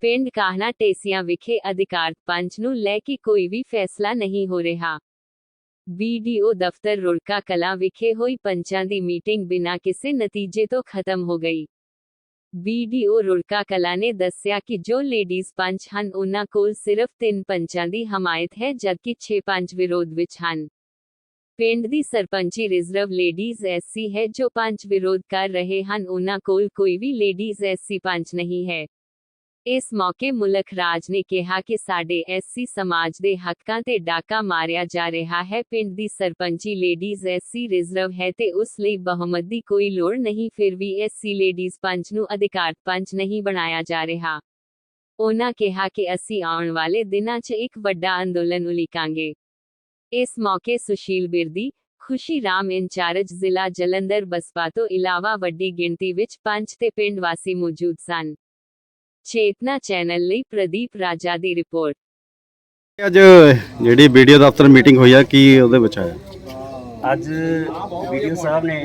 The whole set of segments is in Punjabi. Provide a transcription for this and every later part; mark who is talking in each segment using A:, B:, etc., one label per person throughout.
A: ਪਿੰਡ ਕਾਹਨਾ ਢੇਸੀਆਂ ਵਿਖੇ ਅਧਿਕਾਰਤ ਪੰਚ ਨੂੰ ਲੈ ਕੇ ਕੋਈ ਵੀ ਫੈਸਲਾ ਨਹੀਂ ਹੋ ਰਿਹਾ। BDO ਦਫ਼ਤਰ ਰੁੜਕਾ ਕਲਾਂ ਵਿਖੇ ਹੋਈ ਪੰਚਾਂ ਦੀ ਮੀਟਿੰਗ ਬਿਨਾਂ ਕਿਸੇ ਨਤੀਜੇ ਤੋਂ ਖਤਮ ਹੋ ਗਈ। BDO ਰੁੜਕਾ ਕਲਾਂ ਨੇ ਦੱਸਿਆ ਕਿ ਜੋ ਲੇਡੀਜ਼ ਪੰਚ ਹਨ ਉਨ੍ਹਾਂ ਕੋਲ ਸਿਰਫ 3 ਪੰਚਾਂ ਦੀ ਹਮਾਇਤ ਹੈ ਜਦਕਿ 6 ਪੰਚ ਵਿਰੋਧ ਵਿੱਚ ਹਨ। ਪਿੰਡ ਦੀ ਸਰਪੰਚੀ ਰਿਜ਼ਰਵ ਲੇਡੀਜ਼ SC ਹੈ ਜੋ ਪੰਚ ਵਿਰੋਧ ਕਰ ਰਹੇ ਹਨ, ਉਨ੍ਹਾਂ ਕੋਲ ਕੋਈ ਵੀ ਲੇਡੀਜ਼ SC ਪੰਚ ਨਹੀਂ ਹੈ। ਇਸ ਮੌਕੇ ਮੁਲਕ ਰਾਜ ਨੇ ਕਿਹਾ ਕਿ ਸਾਡੇ SC ਸਮਾਜ ਦੇ ਹੱਕਾਂ ਤੇ ਡਾਕਾ ਮਾਰਿਆ ਜਾ ਰਿਹਾ ਹੈ। ਪਿੰਡ ਦੀ ਸਰਪੰਚੀ ਲੇਡੀਜ਼ SC ਰਿਜ਼ਰਵ ਹੈ ਤੇ ਉਸ ਲਈ ਬਹੁਮਤ ਦੀ ਕੋਈ ਲੋੜ ਨਹੀਂ, ਫਿਰ ਵੀ SC ਲੇਡੀਜ਼ ਪੰਚ ਨੂੰ ਅਧਿਕਾਰਤ ਪੰਚ ਨਹੀਂ ਬਣਾਇਆ ਜਾ ਰਿਹਾ। ਉਨ੍ਹਾਂ ਕਿਹਾ ਕਿ ਅਸੀਂ ਆਉਣ ਵਾਲੇ ਦਿਨਾਂ 'ਚ ਇੱਕ ਵੱਡਾ ਅੰਦੋਲਨ ਉਲੀਕਾਂਗੇ। ਇਸ ਮੌਕੇ ਸੁਸ਼ੀਲ ਬਿਰਦੀ, ਖੁਸ਼ੀ ਰਾਮ ਇੰਚਾਰਜ ਜ਼ਿਲ੍ਹਾ ਜਲੰਧਰ ਬਸਪਾ ਤੋਂ ਇਲਾਵਾ ਵੱਡੀ ਗਿਣਤੀ ਵਿੱਚ ਪੰਚ ਤੇ ਪਿੰਡ ਵਾਸੀ ਮੌਜੂਦ ਸਨ। ਚੇਤਨਾ ਚੈਨਲ ਲਈ ਪ੍ਰਦੀਪ ਰਾਜਾ ਦੀ ਰਿਪੋਰਟ।
B: ਅੱਜ ਜਿਹੜੀ BDO ਦਫ਼ਤਰ ਮੀਟਿੰਗ ਹੋਈ ਆ, ਕੀ ਉਹਦੇ ਵਿੱਚ ਆਇਆ?
C: ਅੱਜ BDO ਸਾਹਿਬ ਨੇ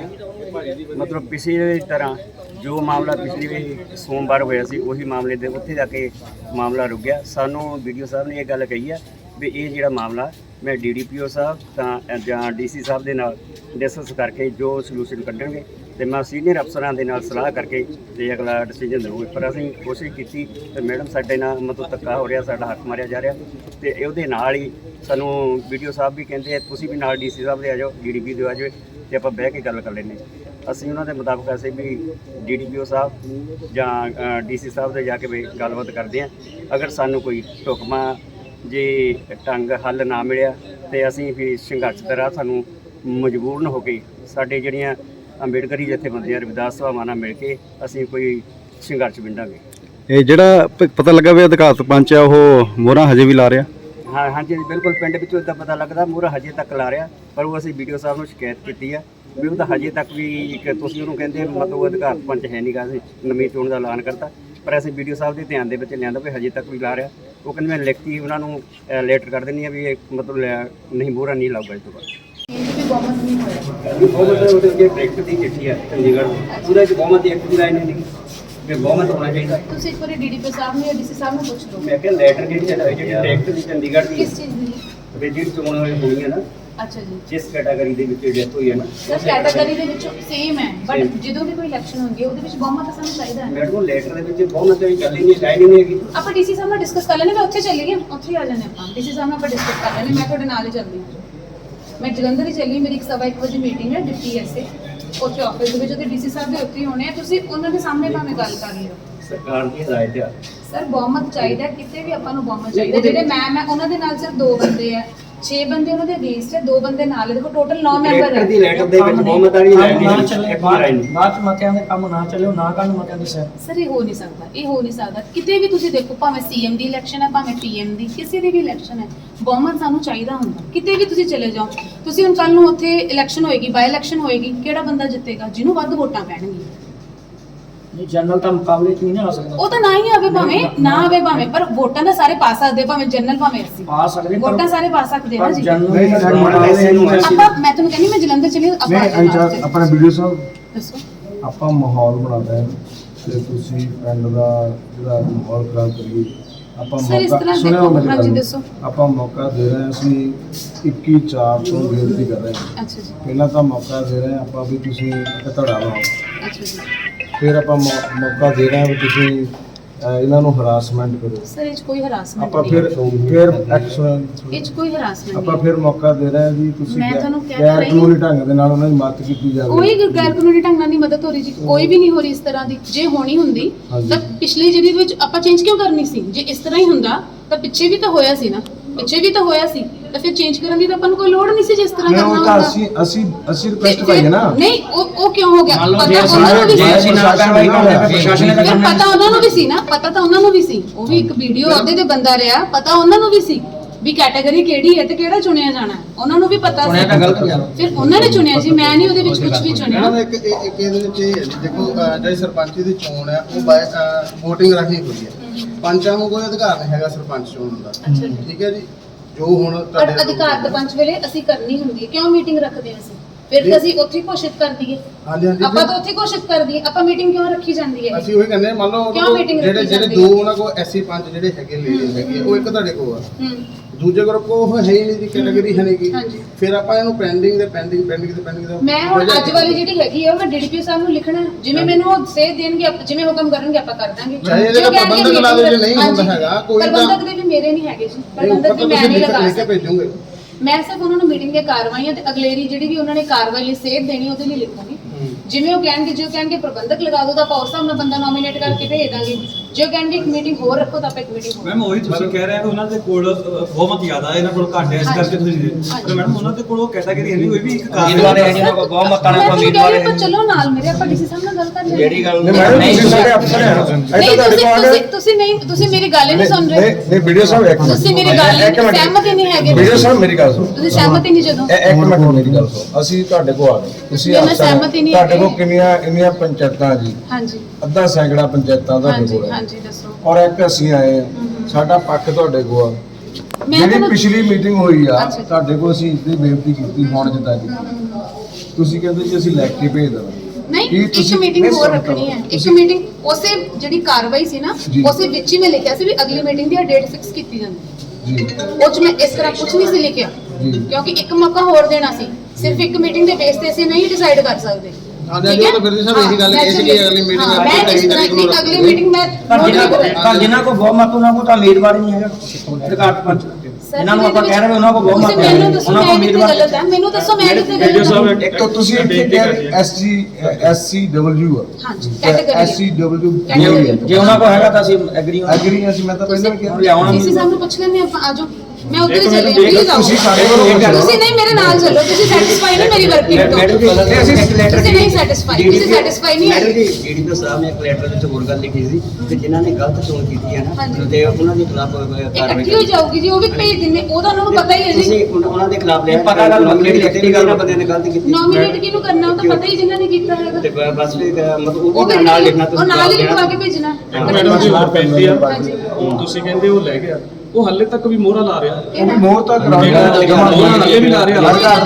C: ਮਤਲਬ ਪਿਛਲੀ ਤਰ੍ਹਾਂ ਜੋ ਮਾਮਲਾ ਪਿਛਲੀ ਸੋਮਵਾਰ ਹੋਇਆ ਸੀ ਉਹੀ ਮਾਮਲੇ ਦੇ ਉੱਥੇ ਜਾ ਕੇ ਮਾਮਲਾ ਰੁਕ ਗਿਆ। ਸਾਨੂੰ BDO ਸਾਹਿਬ ਨੇ ਇਹ ਗੱਲ ਕਹੀ ਹੈ ਵੀ ਇਹ ਜਿਹੜਾ ਮਾਮਲਾ ਮੈਂ DDPO ਸਾਹਿਬ ਤਾਂ ਜਾਂ DC ਸਾਹਿਬ ਦੇ ਨਾਲ ਡਿਸਕਸ ਕਰਕੇ ਜੋ ਸੋਲੂਸ਼ਨ ਕੱਢਣਗੇ ਤੇ ਮੈਂ ਸੀਨੀਅਰ ਅਫਸਰਾਂ ਦੇ ਨਾਲ ਸਲਾਹ ਕਰਕੇ ਤੇ ਅਗਲਾ ਡਿਸੀਜਨ ਲਵਾਂਗੇ। ਪਰ ਅਸੀਂ ਕੋਸ਼ਿਸ਼ ਕੀਤੀ ਤੇ ਮੈਡਮ ਸਾਡੇ ਨਾਲ ਮਤਲਬ ਧੱਕਾ ਹੋ ਰਿਹਾ, ਸਾਡਾ ਹੱਥ ਮਾਰਿਆ ਜਾ ਰਿਹਾ ਤੇ ਉਹਦੇ ਨਾਲ ਹੀ ਸਾਨੂੰ BDO ਸਾਹਿਬ ਵੀ ਕਹਿੰਦੇ ਆ ਤੁਸੀਂ ਵੀ ਨਾਲ DC ਸਾਹਿਬ ਦੇ ਆ ਜਾਓ, DDP ਦੇ ਆ ਜਾਓ ਤੇ ਆਪਾਂ ਬਹਿ ਕੇ ਗੱਲ ਕਰ ਲੈਂਦੇ। ਅਸੀਂ ਉਹਨਾਂ ਦੇ ਮੁਤਾਬਕ ਅਸੀਂ ਵੀ DDPO ਸਾਹਿਬ ਜਾਂ DC ਸਾਹਿਬ ਦੇ ਜਾ ਕੇ ਵੀ ਗੱਲਬਾਤ ਕਰਦੇ ਹਾਂ। ਅਗਰ ਸਾਨੂੰ ਕੋਈ ਢੁਕਵਾਂ ਜੇ ਢੰਗ ਹੱਲ ਨਾ ਮਿਲਿਆ ਤੇ ਅਸੀਂ ਵੀ ਸੰਘਰਸ਼ ਦਾ ਰਾਹ ਸਾਨੂੰ ਮਜਬੂਰਨ ਹੋ ਕੇ ਸਾਡੇ ਜਿਹੜੀਆਂ ਅੰਬੇਡਕਰੀ ਜਥੇਬੰਦੀਆਂ ਰਵਿਦਾਸ ਸਭਾਵਾਂ ਨਾਲ ਮਿਲ ਕੇ ਅਸੀਂ ਕੋਈ ਸੰਘਰਸ਼ ਵਿੰਡਾਂਗੇ। ਇਹ
B: ਜਿਹੜਾ ਪਤਾ ਲੱਗਾ ਵੀ ਅਧਿਕਾਰਤ ਪੰਚ ਆ ਉਹ ਮੋਹਰਾਂ ਹਜੇ ਵੀ ਲਾ ਰਿਹਾ?
C: ਹਾਂਜੀ ਬਿਲਕੁਲ, ਪਿੰਡ ਵਿੱਚੋਂ ਇੱਦਾਂ ਪਤਾ ਲੱਗਦਾ ਮੋਹਰਾਂ ਹਜੇ ਤੱਕ ਲਾ ਰਿਹਾ, ਪਰ ਉਹ ਅਸੀਂ BDO ਸਾਹਿਬ ਨੂੰ ਸ਼ਿਕਾਇਤ ਕੀਤੀ ਆ ਵੀ ਉਹ ਤਾਂ ਹਜੇ ਤੱਕ ਵੀ ਇੱਕ ਤੁਸੀਂ ਉਹਨੂੰ ਕਹਿੰਦੇ ਮਤਲਬ ਅਧਿਕਾਰਤ ਪੰਚ ਹੈ ਨਹੀਂ ਗਾ। ਅਸੀਂ ਨਵੀਂ ਚੋਣ ਦਾ ਐਲਾਨ ਕਰਤਾ ਪਰ ਅਸੀਂ BDO ਸਾਹਿਬ ਦੇ ਧਿਆਨ ਦੇ ਵਿੱਚ ਲਿਆਂਦਾ ਵੀ ਹਜੇ ਤੱਕ ਵੀ ਲਾ ਰਿਹਾ। ਉਹ ਕਹਿੰਦੇ ਮੈਂ ਲਿਖਤੀ ਉਹਨਾਂ ਨੂੰ ਲੈਟਰ ਕਰ ਦਿੰਦੀ ਆ ਵੀ ਇਹ ਮਤਲਬ ਨਹੀਂ ਮੋਹਰਾ ਨਹੀਂ ਲਾਊਗਾ ਇਸ ਤੋਂ ਬਾਅਦ।
D: ਬਹੁਮਤ ਨਹੀਂ ਹੋਇਆ।
C: ਬਹੁਮਤ ਉਹਦੇ ਅੱਗੇ ਡਾਇਰੈਕਟ ਦੀ ਚਿੱਠੀ ਹੈ ਚੰਡੀਗੜ੍ਹ ਉਹਦੇ ਵਿੱਚ ਬਹੁਮਤ ਦੀ ਐਕਟ ਦੀ ਲਾਈਨ ਨਹੀਂ ਵੀ ਬਹੁਮਤ ਹੋਣਾ ਚਾਹੀਦਾ।
D: ਤੁਸੀਂ ਇੱਕ ਵਾਰੀ DDP ਸਾਹਿਬ ਨੂੰ ਜਾਂ DC ਸਾਹਿਬ ਨੂੰ ਪੁੱਛ ਲਓ।
C: ਮੈਂ ਕਿਹਾ ਲੈਟਰ ਜਿਹੜੀ ਡਾਇਰੈਕਟ ਦੀ ਚੰਡੀਗੜ੍ਹ ਦੀ
D: ਕਿਸ ਚੀਜ਼ ਦੀ?
C: ਵੀ ਜਿਹੜੀ ਚੋਣ ਹੋਈ ਹੈ ਨਾ,
D: ਅੱਛਾ ਜੀ,
C: ਜਿਸ ਕੈਟਾਗਰੀ ਦੇ ਵਿੱਚ ਡੈਥ ਹੋਈ ਹੈ ਨਾ
D: ਸਰ ਕੈਟਾਗਰੀ ਦੇ ਵਿੱਚ ਸੇਮ ਹੈ ਬਟ ਜਦੋਂ ਵੀ ਕੋਈ ਇਲੈਕਸ਼ਨ ਹੁੰਦੀ ਹੈ ਉਹਦੇ ਵਿੱਚ ਬਹੁਮਤ ਸਾਨੂੰ ਚਾਹੀਦਾ ਹੈ।
C: ਮੈਡਮ ਲੈਟਰ ਦੇ ਵਿੱਚ ਬਹੁਮਤ ਦੀ ਗੱਲ ਹੀ ਨਹੀਂ ਚਾਹੀਦੀ ਨਹੀਂ ਹੈਗੀ।
D: ਆਪਾਂ DC ਸਾਹਿਬ ਨਾਲ ਡਿਸਕਸ ਕਰ ਲੈਣੇ, ਮੈਂ ਉੱਥੇ ਚੱਲੀ ਗਿਆ, ਉੱਥੇ ਹੀ ਆ ਜਾਂਦੇ ਆਪਾਂ। DC ਸਾਹਿਬ ਨਾਲ ਆਪਾਂ ਡਿਸਕਸ ਕਰ ਲੈਣੇ, ਮੈਂ ਤੁਹਾਡੇ ਨਾਲ ਹੀ ਚੱਲਦੀ ਹਾਂ। ਮੈਂ ਜਲੰਧਰ ਹੀ ਚੱਲੀ, ਮੇਰੀ 1:15 ਵਜੇ ਮੀਟਿੰਗ ਹੈ ਡਿਪਟੀ SA ਉੱਥੇ ਆਫਿਸ ਦੇ ਵਿੱਚ, ਤੇ DC ਸਾਹਿਬ ਦੇ ਉੱਥੇ ਹੀ ਹੋਣੇ ਆ। ਤੁਸੀਂ ਉਹਨਾਂ ਦੇ ਸਾਹਮਣੇ ਭਾਵੇਂ ਗੱਲ ਕਰ ਲਿਓ।
C: ਸਰਕਾਰ ਦੀ ਹਦਾਇਤ ਆ
D: ਸਰ ਬਹੁਮਤ ਚਾਹੀਦਾ, ਕਿਤੇ ਵੀ ਆਪਾਂ ਨੂੰ ਬਹੁਮਤ ਚਾਹੀਦਾ। ਜਿਹੜੇ ਮੈਂ ਉਹਨਾਂ ਦੇ ਨਾਲ ਸਿਰਫ 2 ਬੰਦੇ ਆ, 6 ਬੰਦੇ ਉਹਨਾਂ ਦੇ ਅਗੇਂਸਟ ਹੈ, 2 ਬੰਦੇ ਨਾਲ ਹੈ। ਦੇਖੋ ਟੋਟਲ 9 ਮੈਂਬਰ ਹੈ।
C: ਦੀ ਲੈਟਰ ਦੇ ਵਿੱਚ ਬਹੁਮਤ ਵਾਲੀ ਲਾਈਨ ਨਹੀਂ
E: ਬਾਅਦ ਮਤਿਆਂ ਦੇ ਕੰਮ ਨਾ ਚੱਲਿਓ ਨਾ ਕਰਨ ਮਤਿਆਂ ਦੇ ਸਿਰ।
D: ਸਰ ਇਹ ਹੋ ਨਹੀਂ ਸਕਦਾ, ਇਹ ਹੋ ਨਹੀਂ ਸਕਦਾ। ਕਿਤੇ ਵੀ ਤੁਸੀਂ ਦੇਖੋ, ਭਾਵੇਂ CM ਦੀ ਇਲੈਕਸ਼ਨ ਹੈ, ਭਾਵੇਂ PM ਦੀ, ਕਿਸੇ ਦੀ ਵੀ ਇਲੈਕਸ਼ਨ ਹੈ, ਬਹੁਮਤ ਸਾਨੂੰ ਚਾਹੀਦਾ ਹੁੰਦਾ। ਕਿਤੇ ਵੀ ਤੁਸੀਂ ਚਲੇ ਜਾਓ, ਤੁਸੀਂ ਹੁਣ ਕੱਲ ਨੂੰ ਉੱਥੇ ਇਲੈਕਸ਼ਨ ਹੋਏਗੀ, ਬਾਈ ਇਲੈਕਸ਼ਨ ਹੋਏਗੀ, ਕਿਹੜਾ ਬੰਦਾ ਜਿੱਤੇਗਾ? ਜਿਹਨੂੰ ਵੱਧ ਵੋਟਾਂ ਪੈਣਗੀਆਂ।
E: ਇਹ ਜਨਰਲ ਤਾਂ ਮੁਕਾਬਲੇ 'ਚ ਨਹੀਂ ਨਾ ਆ ਸਕਦਾ।
D: ਉਹ ਤਾਂ ਨਾ ਹੀ ਆਵੇ, ਭਾਵੇਂ ਨਾ ਆਵੇ, ਭਾਵੇਂ, ਪਰ ਵੋਟਾਂ ਤਾਂ ਸਾਰੇ ਪਾ ਸਕਦੇ, ਭਾਵੇਂ ਜਨਰਲ ਭਾਵੇਂ ਅਸੀਂ
E: ਪਾ ਸਕਦੇ,
D: ਵੋਟਾਂ ਸਾਰੇ ਪਾ ਸਕਦੇ ਨਾ ਜੀ।
E: ਜਨਰਲ
D: ਆਪਾਂ ਮੈਂ ਤੁਹਾਨੂੰ ਕਹਿੰਦੀ, ਮੈਂ ਜਲੰਧਰ ਚਲੀ
F: ਆਪਣਾ BDO ਸਾਹਿਬ
D: ਦੱਸੋ।
F: ਆਪਾਂ ਮਾਹੌਲ ਬਣਾਉਂਦੇ ਹਾਂ ਤੇ ਤੁਸੀਂ ਪਿੰਡ ਦਾ ਜਿਹੜਾ ਮਾਹੌਲ ਖਰਾਬ ਕਰੀਏ। ਆਪਾਂ
D: ਸਰ ਇਸ
F: ਮੌਕਾ
D: ਤਰ੍ਹਾਂ
F: ਸੁਣਿਆ
D: ਦੇਖੋ,
F: ਮੇਰੀ
D: ਹਾਂਜੀ
F: ਗੱਲ,
D: ਦੱਸੋ।
F: ਆਪਾਂ ਮੌਕਾ ਦੇ ਰਹੇ ਹਾਂ, ਅਸੀਂ 21/4 ਤੋਂ ਬੇਨਤੀ ਕਰ ਰਹੇ ਹਾਂ।
D: ਅੱਛਾ ਜੀ,
F: ਪਹਿਲਾਂ ਤਾਂ ਮੌਕਾ ਦੇ ਰਹੇ ਹਾਂ ਆਪਾਂ ਵੀ ਤੁਸੀਂ ਇੱਕ ਧੜਾ ਲਾਓ,
D: ਅੱਛਾ ਜੀ।
F: ਫਿਰ ਆਪਾਂ ਮੌਕਾ ਦੇ ਰਹੇ ਹਾਂ ਵੀ ਤੁਸੀਂ ਇਹਨਾਂ ਨੂੰ ਹਰਾਸਮੈਂਟ ਕਰੋ।
D: ਸਰ ਇਹ 'ਚ ਕੋਈ ਹਰਾਸਮੈਂਟ
F: ਆਪਾਂ
D: ਨਹੀਂ,
F: ਫਿਰ ਐਕਸ਼ਨ
D: ਇਹ 'ਚ ਕੋਈ ਹਰਾਸਮੈਂਟ
F: ਆਪਾਂ
D: ਨਹੀਂ।
F: ਫਿਰ ਮੌਕਾ ਦੇ ਰਹੇ ਹਾਂ ਵੀ ਤੁਸੀਂ
D: ਮੈਂ ਤੁਹਾਨੂੰ ਕਹਿ
F: ਗੈਰ
D: ਰਹੀ
F: ਕਾਨੂੰਨੀ ਢੰਗ ਦੇ ਨਾਲ ਉਹਨਾਂ ਦੀ ਮਦਦ ਕੀਤੀ ਜਾਵੇ।
D: ਕੋਈ ਗੈਰ ਕਾਨੂੰਨੀ ਢੰਗ ਨਾਲ ਨਹੀਂ ਮਦਦ ਹੋ ਰਹੀ ਜੀ, ਕੋਈ ਵੀ ਨਹੀਂ ਹੋ ਰਹੀ ਇਸ ਤਰ੍ਹਾਂ ਦੀ। ਜੇ ਹੋਣੀ ਹੁੰਦੀ ਤਾਂ ਪਿਛਲੀ ਜਿਹੜੀ ਵਿੱਚ ਆਪਾਂ ਚੇਂਜ ਕਿਉਂ ਕਰਨੀ ਸੀ? ਜੇ ਇਸ ਤਰ੍ਹਾਂ ਹੀ ਹੁੰਦਾ ਤਾਂ ਪਿੱਛੇ ਵੀ ਤਾਂ ਹੋਇਆ ਸੀ ਨਾ, ਪਿੱਛੇ ਵੀ ਤਾਂ ਹੋਇਆ ਸੀ, ਤਾਂ ਫਿਰ ਚੇਂਜ ਕਰਨ ਦੀ ਤਾਂ ਆਪਾਂ ਨੂੰ ਕੋਈ ਲੋੜ ਨਹੀਂ ਸੀ। ਜਿਸ ਤਰ੍ਹਾਂ ਕਰਨਾ ਹੁੰਦਾ
F: ਅਸੀਂ ਰਿਕੁਐਸਟ ਪਾਈ ਹੈ ਨਾ।
D: ਨਹੀਂ ਉਹ ਕਿਉਂ ਹੋ ਗਿਆ? ਪਤਾ ਉਹਨਾਂ ਨੂੰ ਵੀ ਸੀ, ਫਿਰ ਪਤਾ ਉਹਨਾਂ ਨੂੰ ਵੀ ਸੀ ਨਾ, ਪਤਾ ਤਾਂ ਉਹਨਾਂ ਨੂੰ ਵੀ ਸੀ। ਉਹ ਵੀ ਇੱਕ ਵੀਡੀਓ ਉਹਦੇ ਤੇ ਬੰਦਾ ਰਿਹਾ, ਪਤਾ ਉਹਨਾਂ ਨੂੰ ਵੀ ਸੀ ਵੀ ਕੈਟਾਗਰੀ ਕਿਹੜੀ ਹੈ ਤੇ ਕਿਹੜਾ ਚੁਣਿਆ ਜਾਣਾ, ਉਹਨਾਂ ਨੂੰ ਵੀ ਪਤਾ ਸੀ। ਫਿਰ ਉਹਨਾਂ ਨੇ ਚੁਣਿਆ ਜੀ, ਮੈਂ ਨਹੀਂ ਉਹਦੇ ਵਿੱਚ ਕੁਝ ਵੀ ਚੁਣਿਆ।
G: ਇੱਕ ਇਹਦੇ ਵਿੱਚ ਇਹ ਦੇਖੋ, ਜਿਹੜੀ ਸਰਪੰਚੀ ਦੀ ਚੋਣ ਹੈ ਉਹ ਵੋਟਿੰਗ ਰਾਹੀਂ ਹੋਈ ਹੈ। ਪੰਚਾਂ ਨੂੰ ਕੋਈ ਅਧਿਕਾਰ ਨਹੀਂ ਹੈਗਾ ਸਰਪੰਚ ਚੋਣ ਦਾ, ਠੀਕ ਹੈ ਜੀ। ਜੋ ਹੁਣ
D: ਪਰ ਅਧਿਕਾਰ ਦੇ ਪੰਚ ਵੇਲੇ ਅਸੀਂ ਕਰਨੀ ਹੁੰਦੀ ਹੈ। ਕਿਉਂ ਮੀਟਿੰਗ ਰੱਖਦੇ ਹਾਂ ਅਸੀਂ? ਫਿਰ ਤਾਂ ਅਸੀਂ ਉੱਥੇ ਘੋਸ਼ਿਤ ਕਰ ਦਈਏ।
G: ਹਾਂਜੀ ਹਾਂਜੀ
D: ਆਪਾਂ ਤਾਂ ਉੱਥੇ ਘੋਸ਼ਿਤ ਕਰ ਦਈਏ, ਆਪਾਂ ਮੀਟਿੰਗ ਕਿਉਂ ਰੱਖੀ ਜਾਂਦੀ ਹੈ?
G: ਅਸੀਂ ਉਹੀ ਕਹਿੰਦੇ ਹਾਂ, ਮੰਨ ਲਓ
D: ਕਿਉਂ meeting
G: ਜਿਹੜੇ
D: ਰੱਖੀ
G: ਜਿਹੜੇ
D: ਜਾਂਦੀ
G: ਦੋ
D: ਹੈ?
G: ਉਹਨਾਂ ਕੋਲ ਐਸਸੀ 5 ਜਿਹੜੇ ਹੈਗੇ ਲੇਡੀਜ਼ ਹੈਗੇ ਉਹ ਇੱਕ ਤੁਹਾਡੇ ਕੋਲ ਆ,
D: ਹੂੰ
G: ਦੂਜੇ ਗਰੁੱਪ ਕੋ ਉਹ ਹੈ ਹੀ ਨਹੀਂ ਦੀ ਕੈਟਾਗਰੀ ਹੈ ਨਹੀਂ ਗੀ।
D: ਹਾਂਜੀ।
G: ਫਿਰ ਆਪਾਂ ਇਹਨੂੰ ਪੈਂਡਿੰਗ ਦਾ
D: ਮੈਂ ਹੁਣ ਅੱਜ ਵਾਲੀ ਜਿਹੜੀ ਹੈਗੀ ਆ ਉਹ ਮੈਂ ਡੀਡੀਪੀਓ ਸਾਹਿਬ ਨੂੰ ਲਿਖਣਾ ਹੈ। ਜਿਵੇਂ ਮੈਨੂੰ ਉਹ ਸੇਧ ਦੇਣਗੇ, ਜਿਵੇਂ ਹੁਕਮ ਕਰਨਗੇ ਆਪਾਂ ਕਰ ਦਾਂਗੇ।
G: ਚਾਹੇ ਇਹਦਾ
D: ਜੋ ਕਹਿਣਗੇ
G: ਪ੍ਰਬੰਧਕ ਲਾ ਦਿਓ, ਜੇ ਨਹੀਂ
D: ਹਾਂਜੀ।
G: ਹੁੰਦਾ ਹੈਗਾ, ਕੋਈ ਤਾਂ-
D: ਪ੍ਰਬੰਧਕ ਦੇ ਵੀ ਮੇਰੇ ਨਹੀਂ ਹੈਗੇ ਜੀ, ਪ੍ਰਬੰਧਕ ਵੀ
G: ਉੱਪਰ
D: ਮੈਂ
G: ਤੁਸੀਂ
D: ਨਹੀਂ ਲਗਾ
G: ਲਿਖ ਕੇ
D: ਸਕਦੀ।
G: ਭੇਜੋਗੇ।
D: ਮੈਂ ਸਿਰਫ ਉਹਨਾਂ ਨੂੰ ਮੀਟਿੰਗ ਦੀਆਂ ਕਾਰਵਾਈਆਂ ਤੇ ਅਗਲੇਰੀ ਜਿਹੜੀ ਵੀ ਉਹਨਾਂ ਨੇ ਕਾਰਵਾਈ ਲਈ ਸੇਧ ਦੇਣੀ ਉਹਦੇ ਲਈ ਲਿਖੂੰਗੀ। ਜਿਵੇਂ ਉਹ ਕਹਿਣਗੇ, ਜੋ ਕਹਿਣਗੇ ਪ੍ਰਬੰਧਕ ਲਗਾ ਦੋ ਤਾਂ ਆਪਾਂ ਉਸ ਹਿਸਾਬ ਨਾਲ ਬੰਦਾ ਨੋਮੀਨੇਟ ਕਰਕੇ ਭੇਜ ਦਾਂਗੇ। ਜੋ ਕਹਿਣਗੇ ਇੱਕ ਮੀਟਿੰਗ ਹੋਰ ਰੱਖੋ ਤਾਂ ਆਪਾਂ ਇੱਕ ਮੀਟਿੰਗ ਹੋਰ।
H: ਮੈਮ ਉਹੀ ਤੁਸੀਂ ਕਹਿ ਰਹੇ ਹੋ ਉਹਨਾਂ ਦੇ ਕੋਲ ਬਹੁਮਤ ਜ਼ਿਆਦਾ ਹੈ, ਇਹਨਾਂ ਕੋਲ ਘੱਟ ਹੈ, ਇਸ ਕਰਕੇ ਤੁਸੀਂ ਪਰ ਮੈਡਮ ਉਹਨਾਂ ਦੇ ਕੋਲ ਉਹ ਕੈਟਾਗਰੀ ਹੈ ਨਹੀਂ, ਕੋਈ ਵੀ ਇੱਕ ਕਾਰਨ
E: ਉਮੀਦਵਾਰ ਹੈ ਜਿਹਨਾਂ ਕੋਲ ਬਹੁਤ ਮਤਾਂ ਨਾਲ ਉਮੀਦਵਾਰ ਹੈ।
D: ਆਪਾਂ ਚਲੋ ਨਾਲ ਮੇਰੇ, ਆਪਾਂ ਡੀਸੀ ਸਾਹਿਬ ਨਾਲ ਗੱਲ ਕਰ ਲੈਂਦੇ
E: ਜਿਹੜੀ ਗੱਲ
F: ਨਹੀਂ ਤੁਸੀਂ ਸਾਡੇ ਅਫਸਰ ਹੈ
D: ਤੁਸੀਂ ਮੇਰੀ ਗੱਲ ਹੀ ਨਹੀਂ ਸੁਣ ਰਹੇ।
F: ਨਹੀਂ ਵੀਡੀਓ ਸਾਹਿਬ ਇੱਕ
D: ਤੁਸੀਂ ਮੇਰੀ ਗੱਲ ਹੀ ਨਹੀਂ ਸਹਿਮਤ ਹੀ ਨਹੀਂ ਹੈਗੇ।
F: ਵੀਡੀਓ ਸਾਹਿਬ ਮੇਰੀ ਗੱਲ ਸੁਣੋ,
D: ਤੁਸੀਂ ਸਹਿਮਤ ਹੀ ਨਹੀਂ ਜਦੋਂ
F: ਇੱਕ ਮਿੰਟ ਮੇਰੀ ਗੱਲ ਸੁਣੋ। ਅਸੀਂ ਤੁਹਾਡੇ ਕੋਲ ਆ ਗਏ, ਤੁਸੀਂ
D: ਮੈਂ
F: ਅਫਸਰ
D: ਸਹਿਮਤ ਹੀ ਨਹੀਂ
F: ਤੁਹਾਡੇ ਕੋਲ
D: ਹੈਗੀ।
F: ਇੰਨੀਆਂ ਪੰਚਾਇਤਾਂ ਜੀ,
D: ਹਾਂਜੀ
F: ਅੱਧਾ ਸੈਂਕੜਾ ਪੰਚਾਇਤਾਂ ਤੁਹਾਡੇ
D: ਹਾਂਜੀ
F: ਕੋਲ ਹੈ
D: ਹਾਂਜੀ ਦੱਸੋ।
F: ਔਰ ਇੱਕ ਅਸੀਂ ਆਏ ਹਾਂ, ਸਾਡਾ ਪੱਖ ਤੁਹਾਡੇ ਕੋਲ ਆ।
D: ਮੈਂ
F: ਜਿਹੜੀ
D: ਤੁਹਾਨੂੰ-
F: ਪਿਛਲੀ ਮੀਟਿੰਗ ਹੋਈ ਆ
D: ਅੱਛਾ।
F: ਤੁਹਾਡੇ ਕੋਲ ਅਸੀਂ ਇਸਦੀ ਬੇਨਤੀ ਕੀਤੀ ਹੁਣ ਜਿੱਦਾਂ ਦੀ ਤੁਸੀਂ ਕਹਿੰਦੇ ਜੀ ਅਸੀਂ ਲੈ ਕੇ ਭੇਜ ਦੇਣਾ।
D: ਨਹੀਂ
F: ਕੀ
D: ਇੱਕ
F: ਤੁਸੀਂ-
D: ਮੀਟਿੰਗ
F: ਨਹੀਂ
D: ਹੋਰ
F: ਸੁਣੋ,
D: ਰੱਖਣੀ ਹੈ। ਇੱਕ
F: ਤੁਸੀਂ-
D: ਮੀਟਿੰਗ ਉਸੇ ਜਿਹੜੀ ਕਾਰਵਾਈ ਸੀ ਨਾ
F: ਜੀ।
D: ਉਸੇ ਵਿੱਚ ਹੀ ਮੈਂ ਲਿਖਿਆ ਸੀ ਵੀ ਅਗਲੀ ਮੀਟਿੰਗ ਦੀ ਡੇਟ ਫਿਕਸ ਕੀਤੀ ਜਾਂਦੀ।
F: ਜੀ
D: ਉਹ ਚ ਮੈਂ ਇਸ ਤਰ੍ਹਾਂ ਕੁਝ ਨਹੀਂ ਸੀ ਲਿਖਿਆ
F: ਜੀ
D: ਕਿਉਂਕਿ ਇੱਕ ਮੌਕਾ ਹੋਰ ਦੇਣਾ ਸੀ। ਸਿਰਫ ਇੱਕ ਮੀਟਿੰਗ ਦੇ ਬੇਸ ਤੇ ਅਸੀਂ ਨਹੀਂ ਡਿਸਾਈਡ ਕਰ ਸਕਦੇ।
G: ਹਾਂਜੀ, ਉਹ ਤਾਂ ਫਿਰ ਜੀ ਸਾਹਿਬ ਇਹੀ ਗੱਲ ਕਹੀ ਸੀ ਕਿ ਅਗਲੀ meeting
D: ਹਾਂ,
G: ਆਪਾਂ
D: ਮੈਂ ਇਸ
G: ਤਰੀਕ
D: ਤਰ੍ਹਾਂ
G: ਨੂੰ
D: ਕਿ ਅਗਲੀ ਮੀਟਿੰਗ ਮੈਂ
E: ਪਰ ਜਿਨ੍ਹਾਂ ਕੋਲ ਬਹੁਮਤ ਉਹਨਾਂ ਕੋਲ ਤਾਂ ਉਮੀਦਵਾਰ ਹੀ ਨਹੀਂ ਹੈਗਾ ਅਧਿਕਾਰ ਪੰਚ। ਇਹਨਾਂ ਨੂੰ ਆਪਾਂ ਕਹਿ ਰਹੇ ਉਹਨਾਂ ਕੋਲ ਬਹੁਮਤ
D: ਤੁਸੀਂ
E: ਹੈ,
D: ਮੈਨੂੰ ਦੱਸੋ
E: ਉਹਨਾਂ
D: ਮੈਂ
E: ਕੋਲ
D: ਕਿੱਥੇ
E: ਉਮੀਦਵਾਰ
D: ਗਲਤ ਹੈ? ਮੈਨੂੰ ਦੱਸੋ ਮੈਂ ਕਿੱਥੇ ਗਲਤ ਹਾਂ?
F: ਇੱਕ ਤਾਂ ਤੁਸੀਂ ਇੱਥੇ ਕਹਿ ਰਹੇ SCW
D: ਹਾਂਜੀ ਕੈਟਾਗਰੀ
F: SCW
E: ਜੇ ਉਹਨਾਂ ਕੋਲ ਹੈਗਾ ਤਾਂ ਅਸੀਂ ਐਗਰੀ ਹਾਂ।
F: ਐਗਰੀ ਅਸੀਂ ਮੈਂ ਤਾਂ ਪਹਿਲਾਂ ਵੀ ਕਿਹਾ
E: ਲਿਆਉਣਾ
D: ਡੀਸੀ ਸਾਹਿਬ ਨੂੰ ਪੁੱਛ ਲੈਂਦੇ ਆਪਾਂ ਆਜੋ। ਮੈਂ ਉੱਧਰ ਹੀ ਚੱਲੀ
F: ਤੁਸੀਂ ਸਾਡੇ ਕੋਲ
D: ਤੁਸੀਂ ਨਹੀਂ ਮੇਰੇ ਨਾਲ ਚੱਲੋ। ਤੁਸੀਂ ਸੈਟੀਸਫਾਈ ਨਹੀਂ ਮੇਰੀ ਵਰਕਿੰਗ ਤੋਂ। ਤੁਸੀਂ ਨਹੀਂ ਸੈਟੀਸਫਾਈ, ਤੁਸੀਂ ਸੈਟੀਸਫਾਈ ਨਹੀਂ
C: ਮੈਡਮ
D: ਹੈ।
C: ਜੀ ਡੀਡੀਪੀ ਸਾਹਿਬ ਨੇ ਇੱਕ ਲੈਟਰ ਵਿੱਚ ਹੋਰ ਗੱਲ ਲਿਖੀ ਸੀ ਕਿ ਜਿਨ੍ਹਾਂ ਨੇ ਗਲਤ ਚੋਣ ਕੀਤੀ ਹੈ ਨਾ
D: ਹਾਂਜੀ।
C: ਤੇ ਉਹਨਾਂ ਦੇ ਖਿਲਾਫ
D: ਇਕੱਠੀ ਹੋ ਜਾਊਗੀ ਜੀ, ਉਹ ਵੀ ਭੇਜ ਦਿੰਦੇ। ਉਹਦਾ ਉਹਨਾਂ ਨੂੰ ਪਤਾ ਹੀ ਹੈ ਜੀ।
C: ਤੁਸੀਂ ਉਹਨਾਂ ਦੇ ਖਿਲਾਫ ਲਿਆ
E: ਪਤਾ ਗੱਲ
C: ਨੋਮੀਨੇਟ ਕੀਤੀ ਗੱਲ ਬੰਦੇ ਨੇ ਗਲਤ ਕੀਤੀ
D: ਨੋਮੀਨੇਟ ਕਿਹਨੂੰ ਕਰਨਾ ਉਹ ਤਾਂ ਪਤਾ ਹੀ ਜਿਨ੍ਹਾਂ ਨੇ ਕੀਤਾ ਹੈਗਾ।
C: ਤੇ ਬਸ ਫਿਰ ਮਤਲਬ
D: ਉਹ
C: ਉਹ
D: ਵੀ
C: ਵੀ ਨਾਲ ਲਿਖਣਾ
D: ਉਹ ਨਾਲ ਹੀ ਲਿਖਵਾ ਕੇ ਭੇਜਣਾ।
I: ਮੈਡਮ ਜੀ ਹੋਰ ਬੇਨਤੀ ਆ,
D: ਹਾਂਜੀ।
I: ਹੁਣ ਤੁਸੀਂ ਕਹਿੰਦੇ ਉਹ ਲੈ ਗਿਆ, ਉਹ ਹਾਲੇ ਤੱਕ ਵੀ ਮੋਹਰਾ ਲਾ ਰਿਹਾ।
F: ਉਹ ਵੀ ਮੋਹਰ ਤਾਂ ਕਰਾਉਣਾ
I: ਮੋਹਰਾ ਹਾਲੇ ਵੀ ਲਾ ਰਿਹਾ।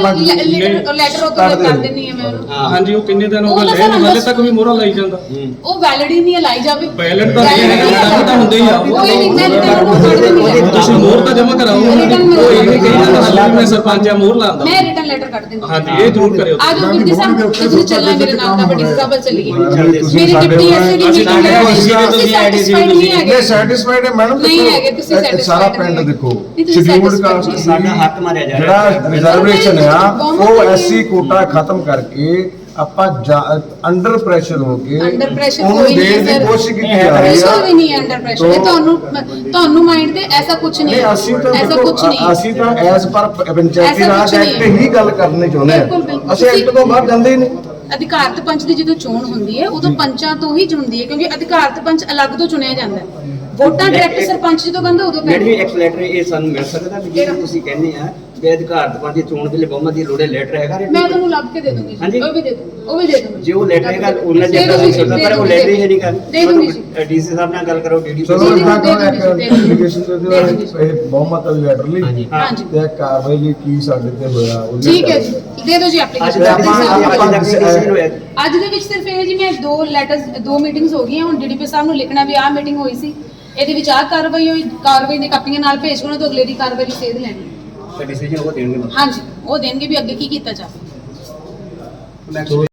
D: ਲੈਟਰ ਉਹ ਤੋਂ ਕਰ ਦਿੰਨੀ ਹੈ ਮੈਂ ਉਹਨੂੰ।
I: ਹਾਂਜੀ ਉਹ ਕਿੰਨੇ ਦਿਨ ਹੋ
D: ਉਹ
I: ਗਏ
D: ਤਾਂ
I: ਲੈ
D: ਸਾਨੂੰ
I: ਹਾਲੇ ਤੱਕ ਵੀ ਮੋਹਰਾ ਲਾਈ ਜਾਂਦਾ।
D: ਉਹ ਵੈਲਿਡ ਹੀ ਨਹੀਂ ਹੈ, ਲਾਈ ਜਾਵੇ।
I: Valid ਤਾਂ ਨਹੀਂ ਹੈ, return ਤਾਂ ਹੁੰਦੇ ਹੀ ਆ।
D: ਕੋਈ ਨਹੀਂ, ਮੈਂ ਰਿਟਰਨ ਨੂੰ ਕੱਢ ਦਿੰਨੀ ਹਾਂ।
I: ਤੁਸੀਂ ਮੋਹਰ ਤਾਂ ਜਮ੍ਹਾਂ ਕਰਾਓ। ਉਹ ਇਹ ਨਹੀਂ ਕਹੀ ਜਾਂਦਾ ਹਾਲੇ ਵੀ ਮੈਂ ਸਰਪੰਚ ਆ ਮੋਹਰ ਲਾਉਂਦਾ।
D: ਮੈਂ ਰਿਟਰਨ ਲੈਟਰ ਕੱਢ ਦਿੰਦੀ ਹਾਂ।
I: ਹਾਂਜੀ ਇਹ ਜ਼ਰੂਰ ਕਰਿਓ।
D: ਆ ਜਾਓ ਵੀਰ ਸਾਹਿਬ, ਤੁਸੀਂ ਚੱਲਣਾ ਮੇਰੇ ਨਾਲ ਤਾਂ ਬੜੀ ਸਾਹਿਬ ਚੱਲੀਏ।
F: ਤੁਸੀਂ
D: ਮੇਰੀ
F: ਸਾਡੇ
D: ਡਿਪਟੀ ਐਸਏ ਦੀ
F: ਅਸੀਂ
D: ਮੀਟਿੰਗ ਹੈ।
F: ਤੁਸੀਂ
D: ਤੁਸੀਂ satisfied ਨਹੀਂ ਹੈਗੇ।
F: ਇਹ ਸੈਟੀਸਫਾਈਡ ਹੈ ਮੈਡਮ।
D: ਨਹੀਂ ਹੈਗੇ, ਤੁਸੀਂ satisfied
F: ਸਾਰਾ
D: ਨਹੀਂ
F: ਪਿੰਡ
D: ਹੈਗੇ।
F: ਦੇਖੋ
D: ਨਹੀਂ, ਤੁਸੀਂ
F: ਸ਼ਡਿਊਲਡ
D: satisfied
F: ਕਾਸਟ
D: ਨਹੀਂ।
C: ਸਾਡਾ ਹੱਕ ਮਾਰਿਆ ਜਾ ਰਿਹਾ
F: ਜਿਹੜਾ ਰਿਜ਼ਰਵੇਸ਼ਨ ਆ ਉਹ SC ਕੋਟਾ ਖਤਮ ਕਰਕੇ ਆਪਾਂ ਅੰਡਰ ਪ੍ਰੈਸ਼ਰ ਹੋ ਕੇ
D: ਅੰਡਰ ਪ੍ਰੈਸ਼ਰ
F: ਉਹਨੂੰ
D: ਕੋਈ ਨਹੀਂ
F: ਦੇਣ ਦੀ
D: ਹੈ
F: ਕੋਸ਼ਿਸ਼ ਕੀਤੀ ਜਾ
D: ਸਰ।
F: ਰਹੀ
D: ਪ੍ਰੈਸ਼ਰ ਵੀ
F: ਆ।
D: ਨਹੀਂ ਹੈ ਅੰਡਰ ਪ੍ਰੈਸ਼ਰ। ਇਹ ਤੁਹਾਨੂੰ ਮਾਈਂਡ ਤੇ ਐਸਾ ਕੁਝ ਨਹੀਂ
F: ਨਹੀਂ
D: ਹੈ।
F: ਅਸੀਂ ਤਾਂ
D: ਐਸਾ
F: ਦੇਖੋ
D: ਕੁਝ ਨਹੀਂ।
F: ਅਸੀਂ ਤਾਂ ਐਸ ਪਰ ਪੰਚਾਇਤੀ
D: ਐਸਾ
F: ਰਾਜ
D: ਕੁਛ ਨਹੀਂ
F: ਐਕਟ
D: ਹੈ।
F: ਹੀ ਗੱਲ ਕਰਨੀ ਚਾਹੁੰਦੇ
D: ਬਿਲਕੁਲ, ਬਿਲਕੁਲ।
F: ਆ ਅਸੀਂ ਐਕਟ ਤੋਂ ਬਾਹਰ ਜਾਂਦੇ ਹੀ ਨਹੀਂ।
D: ਅਧਿਕਾਰਤ ਪੰਚ ਦੀ ਜਦੋਂ ਚੋਣ ਹੁੰਦੀ ਹੈ ਉਦੋਂ ਪੰਚਾਂ ਤੋਂ ਹੀ ਹੁੰਦੀ ਹੈ ਕਿਉਂਕਿ ਅਧਿਕਾਰਤ ਪੰਚ ਅਲੱਗ ਤੋਂ ਚੁਣਿਆ ਜਾਂਦਾ ਹੈ। ਵੋਟਾਂ ਡਾਇਰੈਕਟ ਸਰਪੰਚ ਜਦੋਂ ਕਹਿੰਦੇ ਉਦੋਂ
C: ਮੈਡਮ ਜੀ
D: ਪੈਂਦੀਆਂ।
C: ਇੱਕ ਲੈਟਰ ਇਹ ਸਾਨੂੰ ਮਿਲ ਸਕਦਾ ਵੀ ਜਿਹੜਾ ਤੁਸੀਂ ਕਹਿੰਦੇ ਆ ਵੀ ਅਧਿਕਾਰਤ ਪੰਜ ਦੀ ਚੋਣ ਵੇਲੇ ਬਹੁਮਤ ਦੀ ਲੋੜੇ ਲੈਟਰ ਹੈਗਾ
D: ਮੈਂ ਤੁਹਾਨੂੰ ਲੱਭ ਕੇ ਦੇ ਦੂੰਗੀ
C: ਹਾਂਜੀ।
D: ਜੀ। ਉਹ ਵੀ ਦੇ ਦੂੰਗੀ, ਉਹ ਵੀ ਦੇ ਦੂੰਗੀ।
C: ਜੇ ਉਹ ਲੈਟਰ ਹੈਗਾ ਉਹਨਾਂ
D: ਦੇ
C: ਜਿਹੜਾ
D: ਦੂੰਗੀ,
C: ਸਕਦਾ
D: ਦੇ
C: ਪਰ ਉਹ
D: ਦੂੰਗੀ,
C: ਲੈਟਰ ਹੀ ਨਹੀਂ ਕਰ
D: ਦੇ ਦੂੰਗੀ ਜੀ।
C: ਡੀਸੀ ਸਾਹਿਬ ਨਾਲ ਗੱਲ ਕਰੋ ਡੀਡੀਪੀ
F: ਚਲੋ
D: ਜੀ,
F: ਇਹਨਾਂ
D: ਦੇ
F: ਕੋਲ ਇੱਕ
D: ਦੂੰਗੀ, ਦੇ
F: ਐਪਲੀਕੇਸ਼ਨ ਦੇ ਦਿਓ
D: ਦੂੰਗੀ।
F: ਇਹ ਬਹੁਮਤ ਵਾਲੀ ਲੈਟਰ ਲਈ
D: ਹਾਂਜੀ
F: ਤੇ ਕਾਰਵਾਈ ਲਈ ਕੀ ਸਾਡੇ ਤੇ ਹੋਇਆ ਉਹ
D: ਠੀਕ ਹੈ ਜੀ, ਦੇ ਦਿਓ ਜੀ
C: ਅੱਜ
D: ਐਪਲੀਕੇਸ਼ਨ।
C: ਤੱਕ ਕਿਸੇ ਨੂੰ ਹੋਇਆ
D: ਅੱਜ ਦੇ ਵਿੱਚ ਸਿਰਫ ਇਹ ਜੀ ਮੈਂ ਦੋ ਮੀਟਿੰਗਸ ਹੋ ਗਈਆਂ। ਹੁਣ ਡੀਡੀਪੀ ਸਾਹਿਬ ਨੂੰ ਲਿਖਣਾ ਵੀ ਆਹ ਮੀਟਿੰਗ ਹੋਈ ਸੀ, ਇਹਦੇ ਵਿੱਚ ਆਹ ਕਾਰਵਾਈ ਹੋਈ, ਕਾਰਵਾਈ ਦੀ ਕਾਪੀਆਂ ਨਾਲ ਭੇਜ ਕੇ ਉਹਨਾਂ ਤੋਂ ਅਗਲੇ ਦੀ ਕਾਰਵਾਈ ਦੀ ਸੇਧ ਲੈਣੀ।
C: ਡਿਸੀਜਨ ਉਹ ਦੇਣਗੇ
D: ਹਾਂਜੀ ਉਹ ਦੇਣਗੇ ਵੀ ਅੱਗੇ ਕੀ ਕੀਤਾ ਜਾਵੇ।